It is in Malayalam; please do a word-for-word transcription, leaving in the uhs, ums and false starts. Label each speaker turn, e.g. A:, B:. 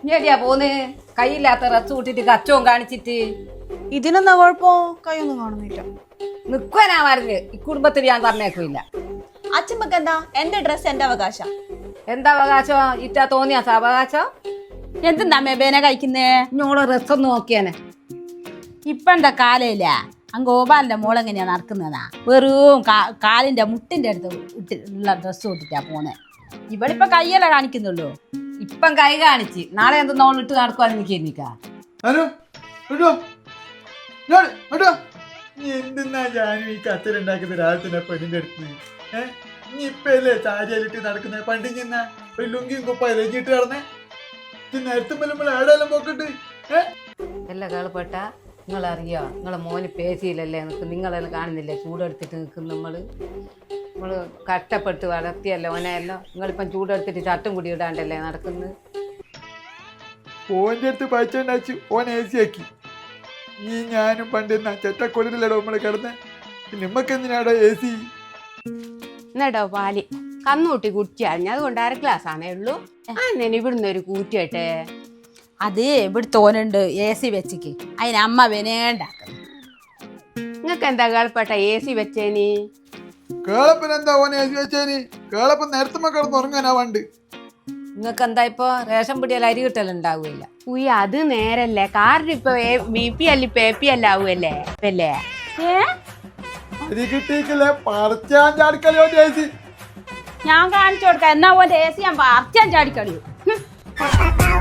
A: ഞെടിയാ പോന്ന് കയ്യില്ലാത്ത ഡ്രസ് കൂട്ടിട്ട് കച്ചവും കാണിച്ചിട്ട്.
B: ഇതിനെന്താ കുഴപ്പോ? കൈയൊന്നും കാണുന്നില്ല.
A: നിക്കുവാനാ പറഞ്ഞ് ഈ കുടുംബത്തിൽ ഞാൻ പറഞ്ഞേക്കില്ല.
B: അച്ഛമ്മക്ക് എന്താ? എന്റെ ഡ്രസ് എന്റെ അവകാശം.
A: എന്താ അവകാശം? ഇറ്റാ തോന്നിയാ അവകാശം?
C: എന്തെന്നാ മേബേനെ കഴിക്കുന്നേ?
A: ഞോളെ ഡ്രസ് ഒന്ന് നോക്കിയാനെ.
C: ഇപ്പൊ എന്താ കാലയില്ല ആ ഗോപാലിന്റെ മോളെങ്ങനെയാ നടക്കുന്നതാ? വെറും കാലിന്റെ മുട്ടിന്റെ അടുത്ത് ഇട്ട് ഉള്ള ഡ്രസ്സ് ഇട്ടിട്ടാ പോന്നെ. ഇവളിപ്പൊ കയ്യല്ല കാണിക്കുന്നുള്ളൂ.
A: ഇപ്പം കൈ കാണിച്ച് നാളെ എന്ത് നോളിട്ട് നടക്കുവാന്ന് എനിക്ക് എനിക്കാ.
D: എന്തെന്നാ ഞാനും ഈ കത്തലുണ്ടാക്കുന്ന രാത്രി പെണ്ണിന്റെ അടുത്ത് ഏഹ് നീ ഇപ്പല്ലേ ചാരിയാലിട്ട് നടക്കുന്ന പണ്ടി ചെന്ന ഒരു ലുങ്കിയും കുപ്പ ഇലഞ്ഞിട്ട് നടന്നേ നേരത്തെ നമ്മൾ ആടെല്ലാം പോക്കട്ട് ഏഹ്
A: എല്ലാം കേൾപ്പെട്ട നിങ്ങളറിയോ നിങ്ങളെ മോന് പേശിയില്ലല്ലേ നിൽക്കും. നിങ്ങളെല്ലാം കാണുന്നില്ലേ ചൂടെടുത്തിട്ട് നിൽക്കും. നമ്മൾ നമ്മൾ കഷ്ടപ്പെട്ട് വളർത്തിയല്ലോ ഓനെയല്ലോ. നിങ്ങളിപ്പം ചൂടെടുത്തിട്ട് ചട്ടും കുടി ഇടാണ്ടല്ലേ നടക്കുന്നത്.
D: ഓൻ്റെ അടുത്ത് പയച്ചുണ്ടാച്ചു ഓൻ എ സി ആക്കി. നീ ഞാനും പണ്ട് എന്നാ ചെറ്റക്കൊള്ളിലടോ നമ്മള് കിടന്ന് നിമ്മക്ക് എന്തിനാടോ എ സി?
E: എന്നടോ പാല് കന്നൂട്ടി കുടിച്ചാൽ അതുകൊണ്ട് അര ഗ്ലാസ് ആണേ ഉള്ളൂ. അന്നെ ഇവിടുന്ന് ഒരു കൂറ്റിയാട്ടെ.
C: അത് ഇവിടെ തോന്നുന്നുണ്ട് എ സി വെച്ചിക്ക്. അതിന് അമ്മ വിനേണ്ടാക്കുന്നു.
E: നിങ്ങക്ക് എന്താ കേൾപ്പെട്ട എ സി വെച്ചേനി?
D: കേളപ്പൻ എന്താ ഓൻ എ സി വെച്ചേനി? കേളപ്പൻ നേരത്തെ കിടന്ന് ഉറങ്ങാനാ വണ്ട്.
A: നിങ്ങൾക്ക് എന്താ ഇപ്പൊ റേഷൻ പിടിയാൽ അരി കിട്ടലുണ്ടാവില്ല.
E: ഉയ്യ അത് നേരല്ലേ. കാറിന് ഇപ്പൊ ബി പി അല്ല ഇപ്പൊ എ പി അല്ല ആവുമല്ലേ ഇപ്പല്ലേ?
D: അരി കിട്ടിയിട്ടില്ലേ പറിച്ചാൻ ചാടിക്കളിയോ എ സി?
C: ഞാൻ കാണിച്ചു കൊടുക്കാം. എന്നാ ഓന്റെ എ സി ഞാൻ പറിച്ചാൻ ചാടിക്കളിയോ.